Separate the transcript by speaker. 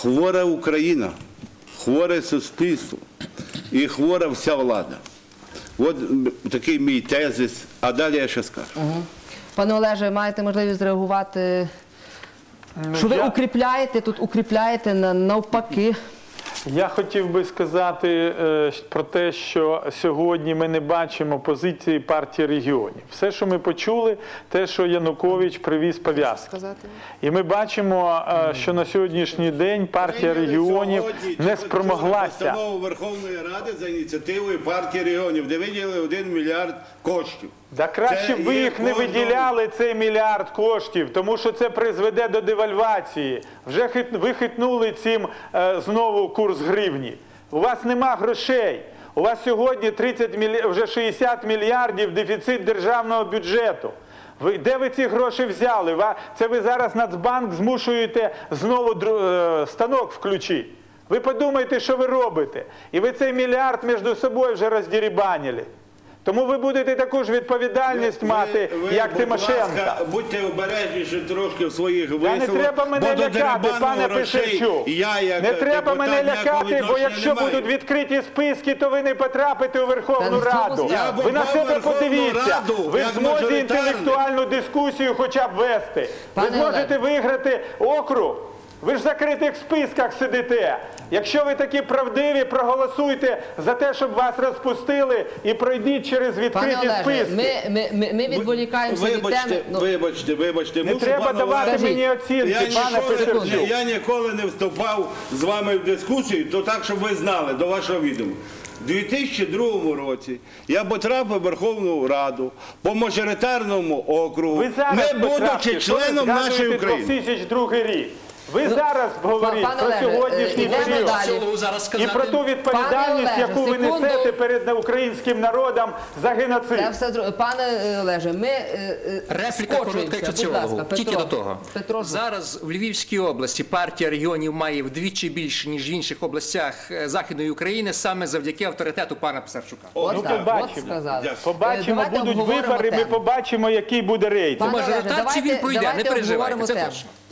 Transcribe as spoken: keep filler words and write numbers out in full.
Speaker 1: хвора Україна, хворе суспільство і хвора вся влада. От такий мій тезис, а далі я ще скажу.
Speaker 2: Угу. Пане Олеже, маєте можливість зреагувати, що ви
Speaker 3: Я...
Speaker 2: укріпляєте, тут укріпляєте навпаки.
Speaker 3: Я хотів би сказати е, про те, що сьогодні ми не бачимо позиції партії регіонів. Все, що ми почули, те, що Янукович привіз пов'язки. І ми бачимо, е, що на сьогоднішній день партія регіонів не спромоглася.
Speaker 1: Постанову Верховної Ради за ініціативою партії регіонів, де виділили один мільярд коштів.
Speaker 3: Да краще б ви їх не виділяли, цей мільярд коштів, тому що це призведе до девальвації. Вже хит, ви хитнули цим е, знову курс гривні. У вас нема грошей. У вас сьогодні тридцять міль... вже шістдесят мільярдів дефіцит державного бюджету. Ви, де ви ці гроші взяли? Це ви зараз Нацбанк змушуєте знову дру... е, станок включити. Ви подумайте, що ви робите. І ви цей мільярд між собою вже роздірібанили. Тому ви будете таку ж відповідальність ви, мати, ви, як Тимошенко.
Speaker 1: Будьте обережніші трошки в своїх висловах.
Speaker 3: Не треба мене лякати, пане Писарчук. Не треба мене лякати, бо якщо немає. будуть відкриті списки, то ви не потрапите у Верховну Та Раду. Ви на себе подивіться. Раду, ви в змозі інтелектуальну дискусію хоча б вести. Пане ви зможете Олег. виграти округ. Ви ж в закритих списках сидите. Якщо ви такі правдиві, проголосуйте за те, щоб вас розпустили і пройдіть через відкриті
Speaker 2: Пане Олеже,
Speaker 3: списки.
Speaker 2: Ми, ми, ми, ми відволікаємося від теми.
Speaker 1: Ну, вибачте, вибачте.
Speaker 3: Не
Speaker 1: мушу,
Speaker 3: треба давати
Speaker 1: Олеже,
Speaker 3: мені оцінки,
Speaker 1: я
Speaker 3: пане
Speaker 1: ніколи,
Speaker 3: Писарчук.
Speaker 1: Я ніколи не вступав з вами в дискусію, то так, щоб ви знали, до вашого відома. У дві тисячі другому році я потрапив в Верховну Раду по мажоритарному округу, не будучи членом нашої України.
Speaker 3: дві тисячі другий рік. Ви ну, зараз говорите про
Speaker 2: Олеже,
Speaker 3: сьогоднішній період і про ту відповідальність, Олеже, яку ви секунду. несете перед українським народом за геноцид.
Speaker 2: Це все, пане Олеже, ми
Speaker 4: Репліка коротка, як соціологу. Тільки до того. Петро. Зараз в Львівській області партія регіонів має вдвічі більше, ніж в інших областях Західної України, саме завдяки авторитету пана Писарчука.
Speaker 3: О, ну, так, побачимо, от побачимо будуть вибори, тему. ми побачимо, який буде рейтинг.
Speaker 4: По мажоритарці він пройде, не переживайте, це точно.